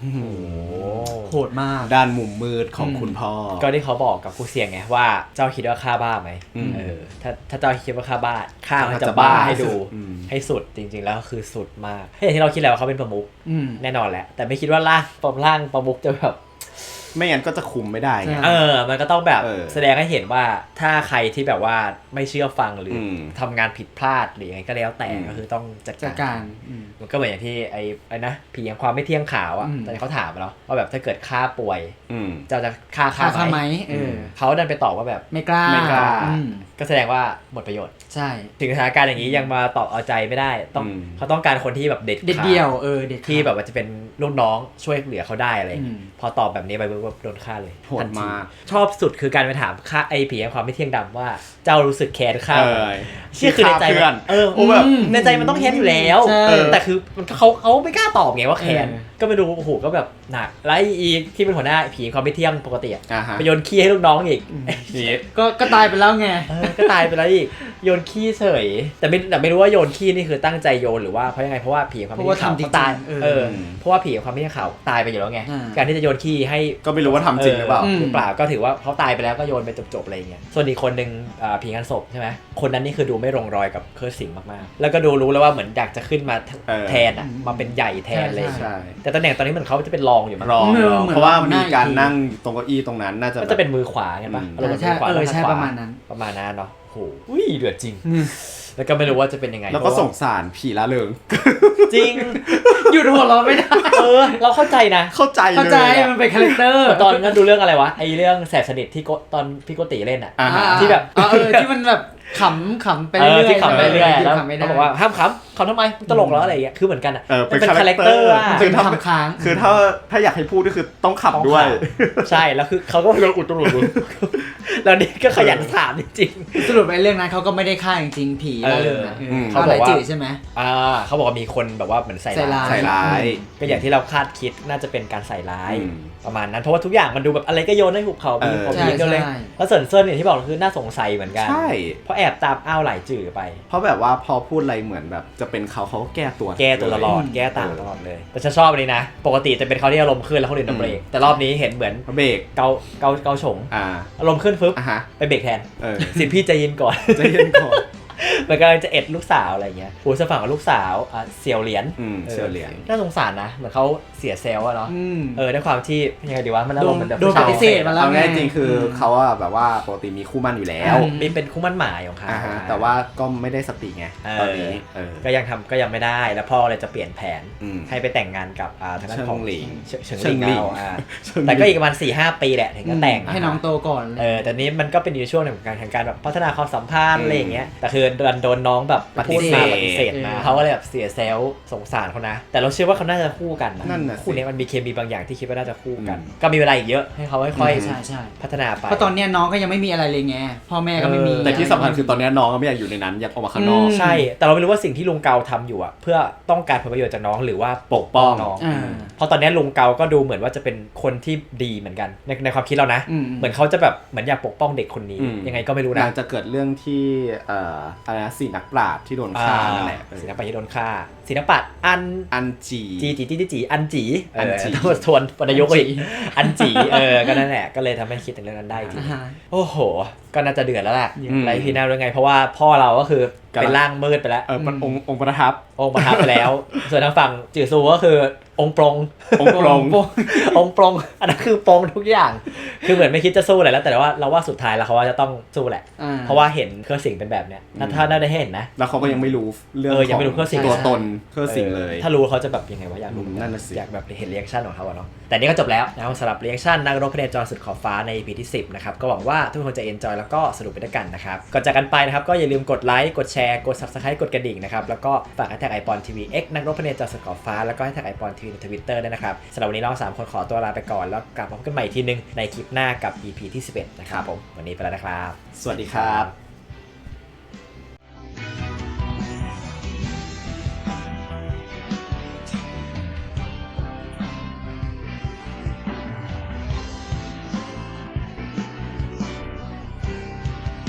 โหดมากด้านมุมมืดของคุณพ่อก็ที่เขาบอกกับครูเสียงไงว่าเจ้าคิดว่าข้าบ้าไหมถ้าเจ้าคิดว่าข้าบ้าข้าจะบ้าให้ดูให้สุดจริงๆแล้วคือสุดมากอย่างที่เราคิดแล้วว่าเขาเป็นประมุขแน่นอนแหละแต่ไม่คิดว่าร่างประมุขจะแบบไม่งั้นก็จะคุมไม่ได้ไงมันก็ต้องแบบแสดงให้เห็นว่าถ้าใครที่แบบว่าไม่เชื่อฟังหรือทำงานผิดพลาดหรือยังไงก็แล้วแต่ก็คือต้องจัดการมันก็เหมือนอย่างที่ไอ้นะผีอย่างความไม่เที่ยงขาวอ่ะตอนนี้เขาถามเราว่าแบบถ้าเกิดฆ่าป่วยจะฆ่าไหมเขาดันไปตอบว่าแบบไม่กล้าก็แสดงว่าหมดประโยชน์ใช่ถึงสถานการณ์อย่างนี้ยังมาตอบเอาใจไม่ได้เขาต้องการคนที่แบบเด็ดเดี่ยวที่แบบว่าจะเป็นลูกน้องช่วยเหลือเขาได้อะไรพอตอบแบบนี้ไปแบบโดนฆ่าเลยโหดมากชอบสุดคือการไปถามฆ่าไอ้ผีความไม่เที่ยงดำว่าเจ้ารู้สึกแค้นข้าเชื่อคือในใจมันแบบในใจมันต้องแค้นอยู่แล้วแต่คือเขาไม่กล้าตอบไงว่าแค้นก็ไม่รู้โอ้โหก็แบบหนักแล้วอีกที่เป็นหัวหน้าผีความไม่เที่ยงปกติไปโยนขี้ให้ลูกน้องอีกก็ตายไปแล้วไงก็ตายไปแล้วอีกโยนขี้เฉยแต่ไม่รู้ว่าโยนขี้นี่คือตั้งใจโยนหรือว่าเพราะยังไงเพราะว่าผีความไม่เที่ยงขาวตายเพราะว่าผีความไม่เที่ยงขาวตายไปอยู่แล้วไงการที่จะโยนขี้ให้ก็ไม่รู้ว่าทำจริงหรือเปล่าก็ถือว่าเขาตายไปแล้วก็โยนไปจบๆอะไรเงี้ยส่วนอีกคนนึงผีงานศพใช่ไหมคนนั้นนี่คือดูไม่ลงรอยกับเคิร์ดสิงห์มากๆแล้วก็ดูรู้แล้วว่าเหมือนอยากจะขึ้นมาแทนมาเป็นใหญ่แทนเลยแต่ตำแหน่งตอนนี้เหมือนเขาจะเป็นรองอยู่มั้งเพราะว่ามีการนั่งตรงเก้าอี้ตรงนั้นน่าจะเป็นมือขวาไงป่ะใช่ประมาณนั้นเนาะโหเดือดจริงแล้วก็ไม่รู้ว่าจะเป็นยังไงแล้วก็สงสารผีละเริงจริงหยุดหัวเราะไม่ได้เราเข้าใจนะเข้าใจมันเป็นคาแรคเตอร์ตอนนั้นดูเรื่องอะไรวะไอเรื่องแสบสนิทที่ตอนพี่โกติเล่นอ่ะที่แบบที่มันแบบขำไปเรื่อยที่ขำไปเรื่อยแล้วเขาบอกว่าห้ามขำทำไมตลกแล้วอะไรอย่างเงี้ยคือเหมือนกันอ่ะเป็นคาแรคเตอร์เป็นคำค้างคือถ้าอยากให้พูดก็คือต้องขำด้วยใช่แล้วคือเขาก็โดนอุดตลอดแล้วนี่ก็ขยันถามจริงๆสรุปในเรื่องนั้นเขาก็ไม่ได้ฆ่าจริงๆผีละเรื่องนะเขาบอกว่าใช่ไหมเขาบอกว่ามีคนแบบว่าเหมือนใส่ร้ายก็อย่างที่เราคาดคิดน่าจะเป็นการใส่ร้ายประมาณนั้นเพราะว่าทุกอย่างมันดูแบบอะไรก็โยนให้หุบเขามีผมยิงกันเลยแล้วเซิร์นอย่างที่บอกคือน่าสงสัยเหมือนกันใช่เพราะแอบตามอ้าวไหลจื่อไปเพราะแบบว่าพอพูดอะไรเหมือนแบบจะเป็นเขาก็แก้ตัวตลอดแก้ต่างตลอดเลยแต่ฉันชอบอันนี้นะปกติจะเป็นเขาที่อารมณ์ขึ้นแล้วคนอื่นเบรกแต่รอบนี้เห็นเหมือนเบรกเกาฉงอารมณ์ขึ้นฟึบไปเบรกแทนสิพี่ใจเย็นก่อนมันกำลังจะเอ็ดลูกสาวอะไรเงี้ยผู้สฝั่งกับลูกสาวเสี่ยวเหรียญน่าสงสารนะเหมือนเขาเสียเซลล์อะเนาะด้วยความที่ยังไงดีวะมันอารมณ์เหมือนแบบโดนปฏิเสธมาแล้วเอาง่ายจริงคือเขาแบบว่าปกติมีคู่มั่นอยู่แล้วมีเป็นคู่มั่นหมายของเขาแต่ว่าก็ไม่ได้สติไงตอนนี้ก็ยังไม่ได้แล้วพ่อเลยจะเปลี่ยนแผนให้ไปแต่งงานกับทางด้านของเฉิงหลิงแต่ก็อีกประมาณ 4-5 ปีแหละถึงจะแต่งให้น้องโตก่อนแต่นี้มันก็เป็นอยู่ช่วงหนึ่งของการแบบพัฒนาความสัมพันธ์อะไรอย่างเงี้ยแต่คือโดนน้องแบบพูดมาปฏิเสธมาเขาก็เลยแบบเสียเซลล์สงสารเขานะแต่เราเชื่อว่าเขาน่าจะคู่กันนะคู่นี้มันมีเคมีบางอย่างที่คิดว่าน่าจะคู่กันก็มีเวลาอีกเยอะให้เขาค่อยๆพัฒนาไปเพราะตอนนี้น้องก็ยังไม่มีอะไรเลยไงพ่อแม่ก็ไม่มีแต่ที่สำคัญคือตอนนี้น้องก็ไม่อยากอยู่ในนั้นอยากออกมาข้างนอกใช่แต่เราไม่รู้ว่าสิ่งที่ลุงเกาทำอยู่เพื่อต้องการผลประโยชน์จากน้องหรือว่าปกป้องน้องเพราะตอนนี้ลุงเกาก็ดูเหมือนว่าจะเป็นคนที่ดีเหมือนกันในความคิดเรานะเหมือนเขาจะแบบเหมือนอยากปกป้องเด็กคนนี้ยังไงก็ไม่รู้นะจะเกิดเรื่องที่อะไรนะสี่นักปราชญ์ที่โดนฆ่านั่นแหละศิลปะที่โดนฆ่าศิลปะอันจีอันจีทวนปนายกอีกอันจีก็นั่นแหละก็เลยทำให้คิดถึงเรื่องนั้นได้จริงโอ้โหก็น่าจะเดือดแล้วแหละไรพี่น่าด้วยไงเพราะว่าพ่อเราก็คือเป็นร่างมืดไปแล้วมันองค์ประทับไปแล้วส่วนทางฝั่งจื่อซูก็คือองค์ปรงอันนั้นคือปรงทุกอย่างคือเหมือนไม่คิดจะสู้อะไรแล้วแต่ว่าเราว่าสุดท้ายแล้วเขาว่าจะต้องสู้แหละเพราะว่าเห็นเครื่องสิงเป็นแบบเนี้ยถ้าได้เห็นนะแล้วเขาก็ยังไม่รู้เรื่องยังไม่รู้เครื่องสิงตัวตนเครื่องสิงเลยถ้ารู้เขาจะแบบยังไงวะอยากรู้อยากแบบเห็นรีแอคชั่นของเขาเนาะแต่นี่ก็จบแล้วนะครับสำหรับรีแอคชั่นนักรบพเนจรสุดขอบฟ้าใน EP ที่ 10นะครับก็หวังว่าทุกคนจะเอนจอยแล้วก็สนุกไปด้วยกันนะครับก่อนจากกันไปนะครับก็อย่าลืมกดไลค์กดแชร์กด Subscribe กดกระดิ่งนะครับแล้วก็ฝากแฮชแท็ก iPonTV X นักรบพเนจรสุดขอบฟ้าแล้วก็แฮชแท็ก iPonTV ใน Twitter ด้วยนะครับสำหรับวันนี้เรา3คนขอตัวลาไปก่อนแล้วกลับมาพบกันใหม่ทีนึงในคลิปหน้ากับ EP ที่ 11นะครับผมวันนี้ไปแล้วนะครับสวัสดีครับ